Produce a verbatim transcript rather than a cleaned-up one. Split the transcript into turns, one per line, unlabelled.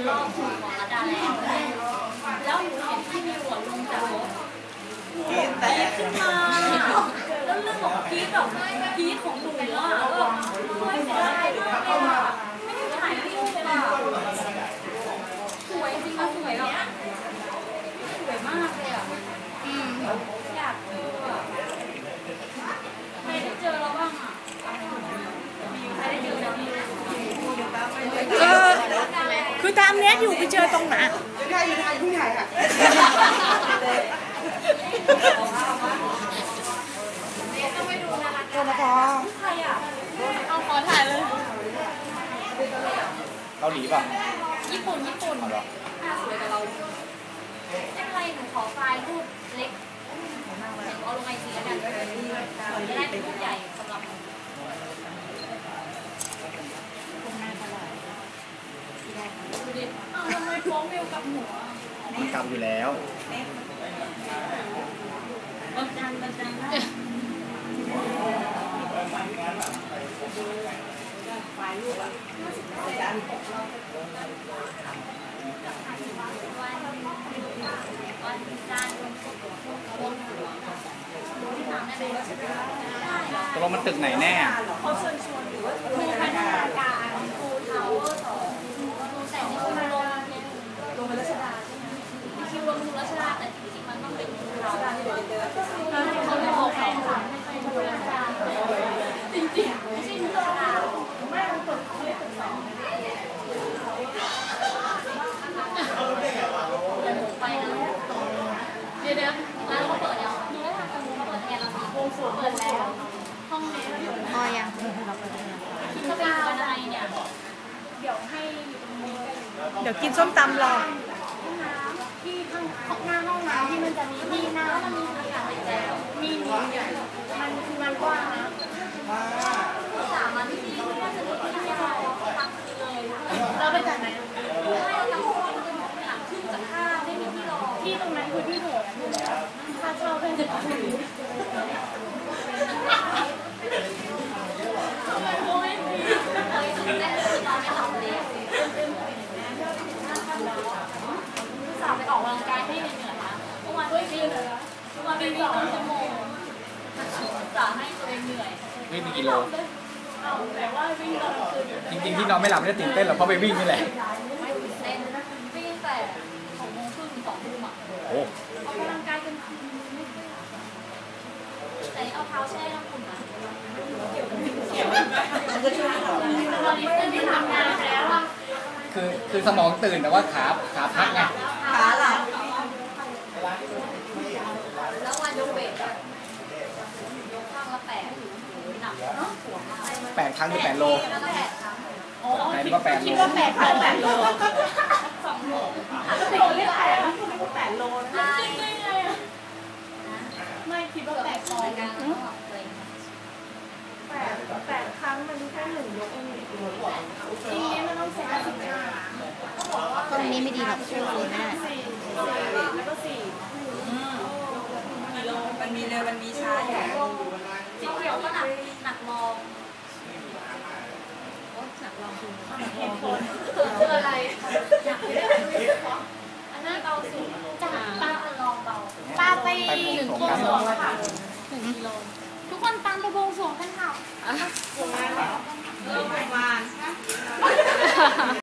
รอบของระดาแล้วแล้วหนูเห็นที่มีหัวลงจากรถกีดแต่ขึ้นมาแล้วเรื่องของกีดแบบกีดของหนูอ่ะก็ไม่เสียดายด้วยอ่ะไม่ได้ถ่ายรูปเลยอ่ะสวยจริงๆสวยแบบสวยมากเลยอ่ะอยากเจออ่ะใครได้เจอเราบ้างอ่ะใครได้เจอแล้วมี
เออคือตามเน็ตอยู่ไปเจอตรงไหน
อยู่ไทยอยู่ไทยอยู่ไทยค่ะ
ตัวมาพอ
ใครอ่ะเอาขอถ่ายเลย
เกาหลีป่ะ
ญี่ปุ่นญี่ปุ่นหน้าสวยกับเราไม่เป็นไรหนูขอไฟล์รูปเล็กเอาลงไอจีแล้วกันจะได้เป็นรูปใหญ่สำหรับดูดิอ้าวทำไมฟ้องเมลกับหัว
มันกลับอยู่แล้ว
บังจันบังจันนะไฟลูกอ่ะวันจันทร์
ตกลงมันตึกไหนแน่
เขาเชิญชวนหรือว่าครูพัฒนาการครูทาวเวอร์สองครูแต่งครูลงลงรัชดาใช่ไหมมีคิวลงครูรัชดาแต่จริงๆมันต้องเป็นครูเราเขาไม่บอกใครค่ะไม่ใช่ครูรัชดาจริงๆไม่ใช่ครูรัชดาไม่ต้องกดเขาเลยกดสองไปนะเดี๋ยวเดี๋ยวร้านเขาเปิดยังดูได้ทางการเปิดแอร์แล้วสิเปิดแล้วห้องนี้เราอยู่ไหน
อ๋อยัง
คิดว่าเป็นอะไรเนี่ยเดี๋ยวให้
เดี๋ยวกินส้มตำรอ
ห้องน้ำที่ข้างหน้าห้องน้ำที่มันจะมีที่น้ำมันมีอากาศหายใจมีมีมันคือมันกว้างนะสามวันที่นี่น่าจะมีที่ยาวพักเลยเราไปจากไหนไม่เราทั้งคนจะหมดหลังขึ้นจากท่าไม่มีที่รอที่ตรงนั้นคือที่โหดค่าเช่าเป็นจะถูกโอ้ยแต่คือเราไม่หลับเลยสาวไปออกกำลังกายให้เหนื่อยนะเมื่อวานวิ่งเมื่อวานวิ่งสองชั่วโมงสาวให้ตัวเองเหนื่อย
วิ่งไปกี่โล
แต่ว่าวิ่งตอนกลางคืน
จริงๆที่นอนไม่หลับไม่ได้ตื่นเต้นหรอกเพราะไปวิ่งนี่แหละ
ไม่ตื่นเต้นวิ่งแต่หกโมงครึ่งถึงสองทุ่มอ่ะ
โอ้
ออกกำลังกายกันคืนไม่ค่อยหลับแต่เอาเท้าแช่น้ำอุ่นนะมันจะช่วยเราตอนนี้เพื่อนที่ทำงานแล้วอ่ะ
คือคือสมองตื่นแต่ว่าขาขาพักไง
ขาหลับแล้ววันยกเวทยกข้างละแปดหนักเนาะ
แปดครั้งคือแปดโล
แปด
ว่าแปดโล
คิดว่าแปดครั้งแปดโลสองโลโลเรียกแปดนะคุณว่าแปดโลนะจริงได้ไงอ่ะไม่คิดว่าแปดโลกันแปดแปดครั้งมันแค่หนึ่งยกเองทีนี้มันต้องใช้สิบห้า
ตรงนี้ไม่ดีหรอกช่วยคุยไม่ได้
แล้วก็สี่กิโลมันมีเร็วมันมีช้าอยู่สีเขียวก็หนักหนักลองโอ๊ยหนักลองคือเหตุผลคืออะไรหนักไม่ได้อันนั้นเบาสุดจากป้าลองเบาป้าไปหนึ่งกิโลค่ะหนึ่งกิโลทุกคนตามไปบวงสรวงกันค่ะประมาณเหรอประมาณ